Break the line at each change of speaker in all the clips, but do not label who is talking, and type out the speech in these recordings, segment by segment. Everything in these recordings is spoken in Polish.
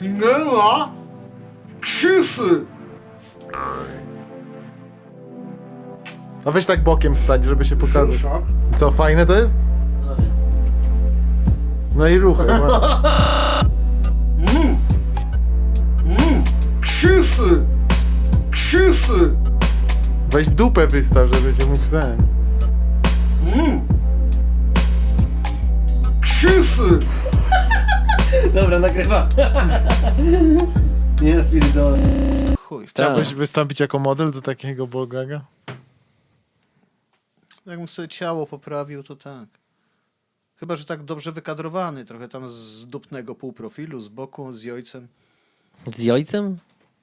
minęła krzywdy.
No weź tak bokiem wstać, żeby się pokazać. Co, fajne to jest? No i ruchy.
Krzywdy. Krzywdy.
Weź dupę wystaw, żeby cię mógł ten.
Krzywdy.
Dobra, nagrywa. Nie pierdolę.
Chuj.
Chciałbyś wystąpić jako model do takiego Bogaga?
Jakbym sobie ciało poprawił, to tak. Chyba, że tak dobrze wykadrowany, trochę tam z dupnego półprofilu, z boku, z ojcem.
Z ojcem?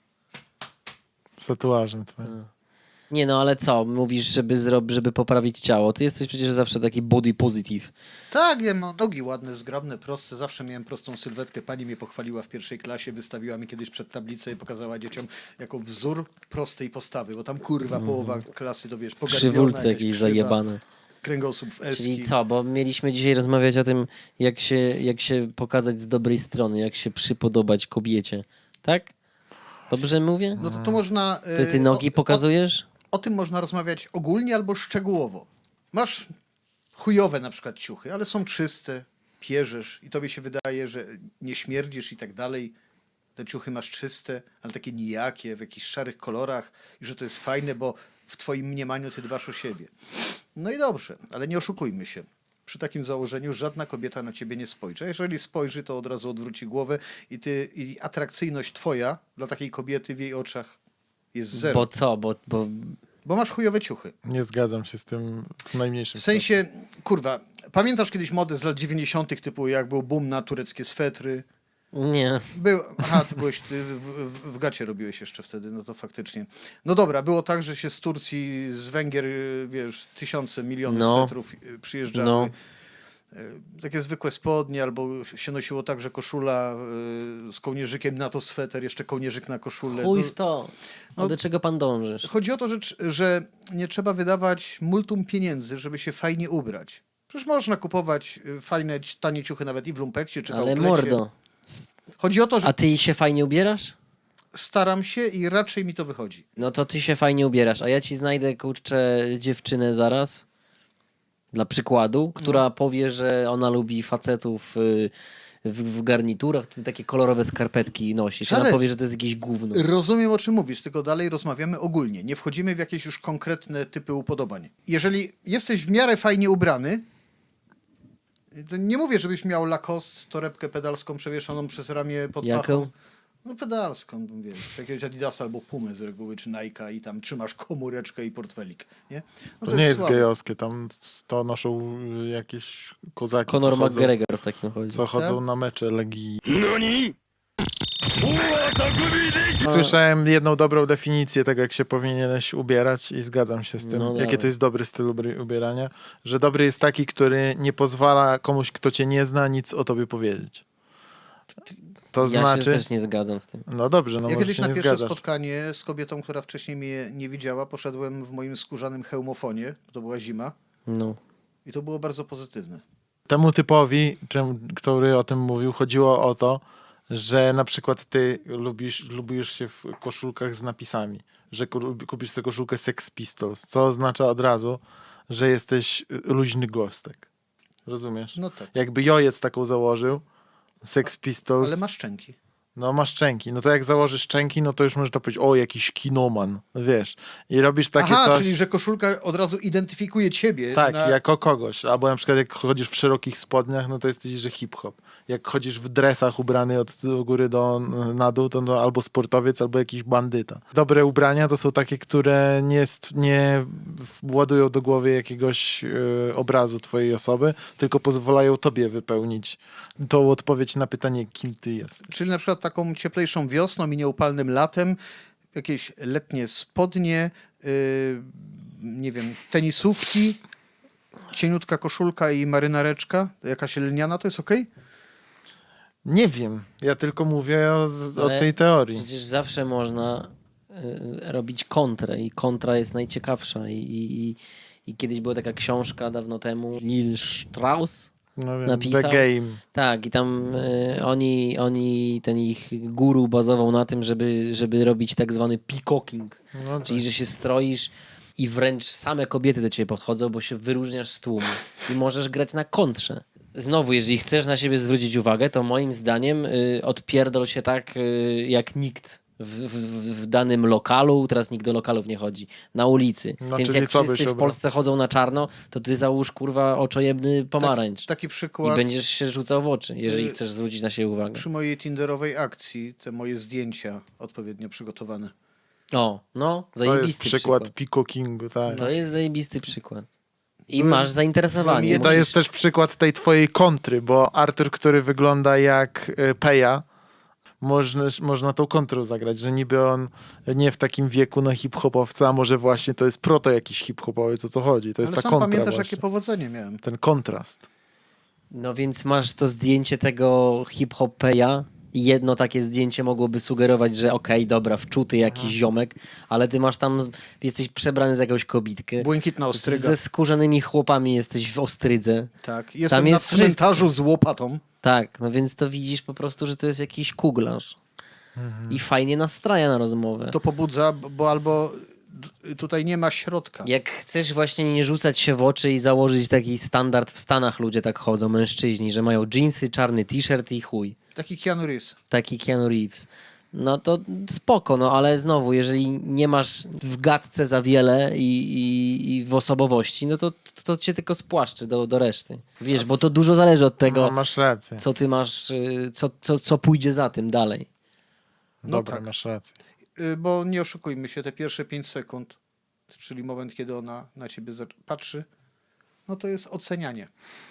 Z tatuażem twoim.
Nie no, ale co? Mówisz, żeby poprawić ciało. Ty jesteś przecież zawsze taki body positive.
Tak, ja mam nogi ładne, zgrabne, proste. Zawsze miałem prostą sylwetkę. Pani mnie pochwaliła w pierwszej klasie, wystawiła mi kiedyś przed tablicę i pokazała dzieciom jako wzór prostej postawy, bo tam kurwa połowa klasy to wiesz, pogarbiona,
Krzywulce
jakaś
jakieś
krzywa,
zajebane.
kręgosłup w eski.
Czyli co? Bo mieliśmy dzisiaj rozmawiać o tym, jak się pokazać z dobrej strony, jak się przypodobać kobiecie. Tak? Dobrze mówię?
No to można...
Ty nogi pokazujesz?
O tym można rozmawiać ogólnie albo szczegółowo. Masz chujowe na przykład ciuchy, ale są czyste, pierzesz i tobie się wydaje, że nie śmierdzisz i tak dalej. Te ciuchy masz czyste, ale takie nijakie, w jakichś szarych kolorach i że to jest fajne, bo w twoim mniemaniu ty dbasz o siebie. No i dobrze, ale nie oszukujmy się. Przy takim założeniu żadna kobieta na ciebie nie spojrzy. A jeżeli spojrzy, to od razu odwróci głowę i atrakcyjność twoja dla takiej kobiety w jej oczach jest zero.
Bo co?
Bo masz chujowe ciuchy.
Nie zgadzam się z tym w najmniejszym
W sensie, kurwa, pamiętasz kiedyś modę z lat 90. typu jak był boom na tureckie swetry?
Nie.
Aha, ty w gacie robiłeś jeszcze wtedy, no to faktycznie. No dobra, było tak, że się z Turcji, z Węgier, wiesz, tysiące, miliony swetrów przyjeżdżały.
No.
Takie zwykłe spodnie, albo się nosiło tak, że koszula z kołnierzykiem na to sweter, jeszcze kołnierzyk na koszulę.
Chuj w to.
No,
Do czego pan dążysz?
Chodzi o to, że nie trzeba wydawać multum pieniędzy, żeby się fajnie ubrać. Przecież można kupować fajne, tanie ciuchy nawet i w lumpekcie, czy w
Ale
outlecie.
mordo.
Chodzi o to, że
A ty się fajnie ubierasz?
staram się i raczej mi to wychodzi.
No to ty się fajnie ubierasz, a ja ci znajdę, kurczę, dziewczynę zaraz, dla przykładu, która powie, że ona lubi facetów w garniturach, ty takie kolorowe skarpetki nosisz. Ona
Szarek,
powie, że to jest jakieś gówno.
Rozumiem, o czym mówisz, tylko dalej rozmawiamy ogólnie. Nie wchodzimy w jakieś już konkretne typy upodobań. Jeżeli jesteś w miarę fajnie ubrany, to nie mówię, żebyś miał Lacoste, torebkę pedalską przewieszoną przez ramię pod
Jaką?
pachą. No pedalską, wiesz, jakiegoś Adidasa albo Pumy z reguły, czy Nike'a i tam trzymasz komóreczkę i portfelik, nie? No
To nie jest
słabe.
gejowskie, tam to noszą jakieś kozaki,
Conor
co chodzą,
McGregor w takim chodzi.
co chodzą
Tak?
na mecze Legii. Słyszałem jedną dobrą definicję tego, jak się powinieneś ubierać i zgadzam się z tym,
No
jaki
dawaj.
to jest dobry styl ubierania, że dobry jest taki, który nie pozwala komuś, kto cię nie zna, nic o tobie powiedzieć. To
Ja się
znaczy...
też nie zgadzam z tym.
No dobrze, no
Ja
może
kiedyś
się
na
nie
pierwsze
zgadzasz.
spotkanie z kobietą, która wcześniej mnie nie widziała, poszedłem w moim skórzanym hełmofonie, bo to była zima
No.
i to było bardzo pozytywne.
Temu typowi, który o tym mówił, chodziło o to, że na przykład ty lubisz się w koszulkach z napisami, że kupisz sobie koszulkę Sex Pistols, co oznacza od razu, że jesteś luźny gostek. Rozumiesz?
No tak.
Jakby Jojec taką założył, Sex Pistols,
Ale ma szczęki.
no ma szczęki, no to jak założysz szczęki, no to już można powiedzieć, o jakiś kinoman, wiesz, i robisz takie
Aha,
coś...
czyli że koszulka od razu identyfikuje ciebie.
Tak,
na...
jako kogoś. Albo na przykład jak chodzisz w szerokich spodniach, no to jesteś, że hip-hop. Jak chodzisz w dresach ubrany od góry na dół, to no, albo sportowiec, albo jakiś bandyta. Dobre ubrania to są takie, które nie władują do głowy jakiegoś obrazu twojej osoby, tylko pozwalają tobie wypełnić tą odpowiedź na pytanie, kim ty jesteś.
Czyli na przykład taką cieplejszą wiosną i nieupalnym latem, jakieś letnie spodnie, nie wiem, tenisówki, cieniutka koszulka i marynareczka, jakaś lniana, to jest okej?
Nie wiem, ja tylko mówię o
Ale
tej teorii.
Przecież zawsze można robić kontrę i kontra jest najciekawsza i kiedyś była taka książka dawno temu, Lil Strauss,
No wiem,
napisał.
The Game.
Tak, i tam oni, ten ich guru bazował na tym, żeby robić tak zwany peacocking,
No
czyli
tak.
że się stroisz i wręcz same kobiety do ciebie podchodzą, bo się wyróżniasz z tłumu i możesz grać na kontrze. Znowu, jeżeli chcesz na siebie zwrócić uwagę, to moim zdaniem odpierdol się tak jak nikt w danym lokalu. Teraz nikt do lokalów nie chodzi. Na ulicy.
No,
Więc
czyli
jak
co byś
wszyscy w
obrał?
Polsce chodzą na czarno, to ty załóż kurwa oczojebny pomarańcz.
Taki
I
przykład
będziesz się rzucał w oczy, jeżeli
Y-
chcesz zwrócić na siebie uwagę.
przy mojej tinderowej akcji, te moje zdjęcia odpowiednio przygotowane.
O, no,
To jest
zajebisty
przykład peacockingu, tak.
To jest zajebisty przykład. I
Byłem-
masz zainteresowanie.
byłem
I to
Musisz-
jest też przykład tej twojej kontry, bo Artur, który wygląda jak Peja, można tą kontrą zagrać, że niby on nie w takim wieku na hip-hopowca, a może właśnie to jest proto jakiś hip-hopowiec, o co chodzi. To jest
Ale
ta
sam
kontra
pamiętasz,
właśnie.
jakie powodzenie miałem.
Ten kontrast.
No więc masz to zdjęcie tego hip-hopeja. Jedno takie zdjęcie mogłoby sugerować, że okej, dobra, wczuty jakiś ziomek, ale ty masz tam, jesteś przebrany za jakąś kobitkę.
Błękitna ostryga.
Ze skórzanymi chłopami jesteś w Ostrydze.
Tak. Jestem
jest
na cmentarzu z łopatą.
Tak, no więc to widzisz po prostu, że to jest jakiś kuglarz. I fajnie nastraja na rozmowę.
To pobudza, bo albo tutaj nie ma środka.
Jak chcesz właśnie nie rzucać się w oczy i założyć taki standard, w Stanach ludzie tak chodzą, mężczyźni, że mają dżinsy, czarny t-shirt i chuj.
Taki Keanu Reeves.
Taki Keanu Reeves. No to spoko, no ale znowu, jeżeli nie masz w gadce za wiele i w osobowości, no to cię tylko spłaszczy do reszty. Wiesz, bo to dużo zależy od tego,
No, masz rację.
co ty masz, co pójdzie za tym dalej.
No
Dobra,
tak.
masz rację.
Bo nie oszukujmy się, te pierwsze 5 sekund, czyli moment, kiedy ona na ciebie patrzy, no to jest ocenianie.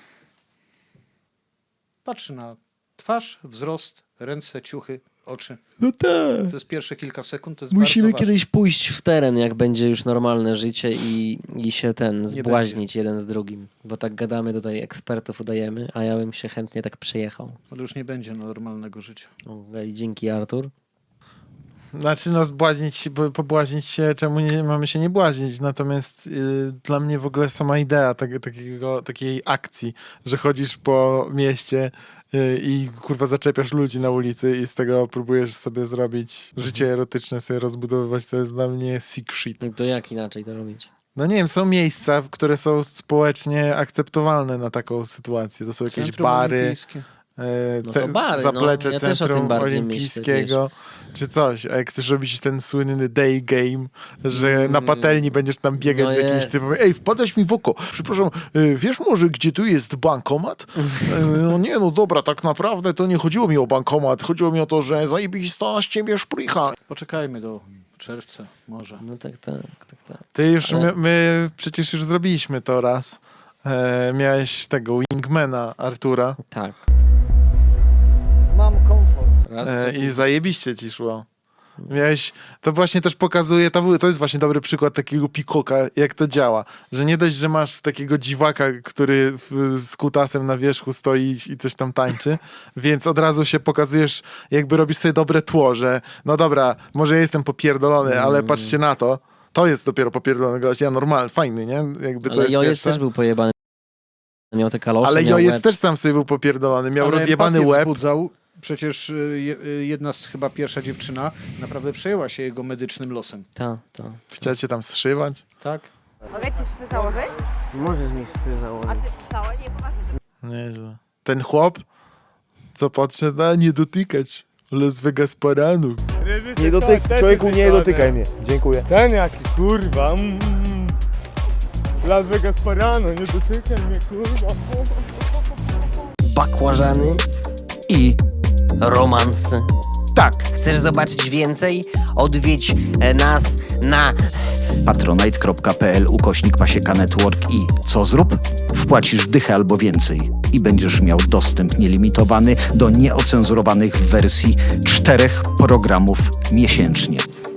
Patrzy na twarz, wzrost, ręce, ciuchy, oczy.
No tak.
To jest pierwsze kilka sekund, to jest
Musimy
bardzo ważne.
kiedyś pójść w teren, jak będzie już normalne życie i się zbłaźnić jeden z drugim. Bo tak gadamy tutaj, ekspertów udajemy, a ja bym się chętnie tak przejechał.
Ale już nie będzie normalnego życia.
Okej, dzięki Artur.
Znaczy, no, pobłaźnić się, czemu nie mamy się nie błaźnić? Natomiast dla mnie w ogóle sama idea takiej akcji, że chodzisz po mieście i kurwa zaczepiasz ludzi na ulicy i z tego próbujesz sobie zrobić życie erotyczne, sobie rozbudowywać, to jest dla mnie sick shit.
No to jak inaczej to robić?
No nie wiem, są miejsca, które są społecznie akceptowalne na taką sytuację. To są jakieś
Centrum
bary,
olimpijskie.
No to bary,
zaplecze
no. Ja też o
Centrum
tym bardziej
Olimpijskiego, czy coś. A jak chcesz robić ten słynny day game, że na patelni będziesz tam biegać
No
z jakimś
jest.
typem, ej, wpadasz mi w oko, przepraszam, wiesz może, gdzie tu jest bankomat? No nie, no dobra, tak naprawdę to nie chodziło mi o bankomat, chodziło mi o to, że zajebista z ciebie szprycha.
Poczekajmy do czerwca, może.
No tak.
Ty już,
Ale-
my przecież już zrobiliśmy to raz. Miałeś tego wingmana Artura
Tak.
Mam komfort.
Raz,
i zajebiście ci szło. Miałeś, to właśnie też pokazuje, to jest właśnie dobry przykład takiego pikoka, jak to działa. Że nie dość, że masz takiego dziwaka, który z kutasem na wierzchu stoi i coś tam tańczy, więc od razu się pokazujesz, jakby robisz sobie dobre tło, że no dobra, może ja jestem popierdolony, ale patrzcie na to. To jest dopiero popierdolony gość, ja normalny, fajny, nie? Jakby to
ale
jest
Jojec
pierwsze.
też był pojebany. Miał te kalosze,
Ale
miał
Jojec
łeb.
też sam sobie był popierdolony, miał
Ale
rozjebany
empatię
łeb.
wzbudzał. Przecież jedna chyba pierwsza dziewczyna naprawdę przejęła się jego medycznym losem.
Ta.
Chciał cię tam zszywać.
Tak?
Mogę ci szwy założyć?
Możesz mi swój
A
założyć.
ty wstała? Nie, poważnie.
Nieźle. Ten chłop, co podszedł, a nie dotykać. Las Vegas Paranu.
Nie dotykaj, człowieku, nie dotykaj mnie. Dziękuję.
Ten jaki, kurwa. Las Vegas Parano, nie dotykaj mnie, kurwa.
Bakłażany i romanse.
Tak.
Chcesz zobaczyć więcej? Odwiedź nas na
patronite.pl/Pasieka Network i co zrób? Wpłacisz dychę albo więcej i będziesz miał dostęp nielimitowany do nieocenzurowanych wersji 4 programów miesięcznie.